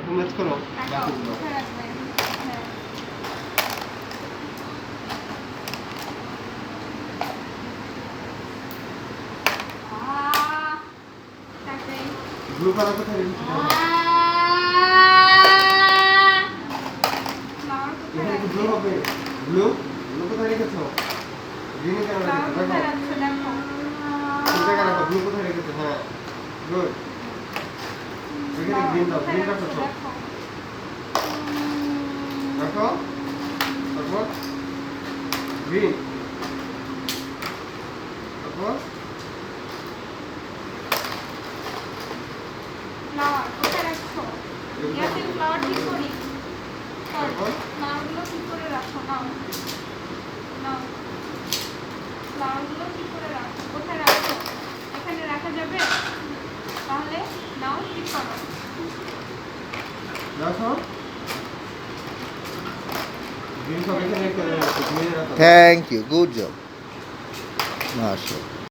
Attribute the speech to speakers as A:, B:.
A: Match করো
B: রাখো,
A: বাকিগুলো।
B: কোথায় রাখবে? হ্যাঁ। তাড়াতাড়ি।
A: ব্লু কালার কোথায় রেখেছো?
B: ফ্লাওয়ার কোথায়
A: এখানে কি
B: রাখবে?
A: ব্লু হবে? ব্লু ব্লু কোথায় রেখেছো? গ্রিন কেন
B: ফ্লাওয়ার
A: রেখেছো?
B: কোথায়
A: দেখো
B: রাখছো দেখো।
A: কোন জায়গায় রাখো? ব্লু কোথায় রেখেছো? হ্যাঁ গুড। এখানে
B: ফ্লাওয়ার
A: গ্রিন দাও,
B: কোথায়
A: গ্রিন রাখো
B: রাখছো
A: সব।
B: দেখো।
A: রাখো তারপর গ্রিন, তারপর
B: ফ্লাওয়ার কোথায় রাখছো? ইয়াসিন ফ্লাওয়ার ঠিক করি।
A: তারপর
B: ফ্লাওয়ারগুলো ঠিক করে রাখো নাও। নাও। ফ্লাওয়ারগুলো ঠিক করে রাখো। কোথায় রাখছো? এখানে রাখা যাবে? তাহলে নাও ঠিক করো।
A: রাখো গ্রিন সব এখানে রেখে গ্রিন রাখো।
C: থ্যাংক ইউ, গুড জব, মাশাআল্লাহ।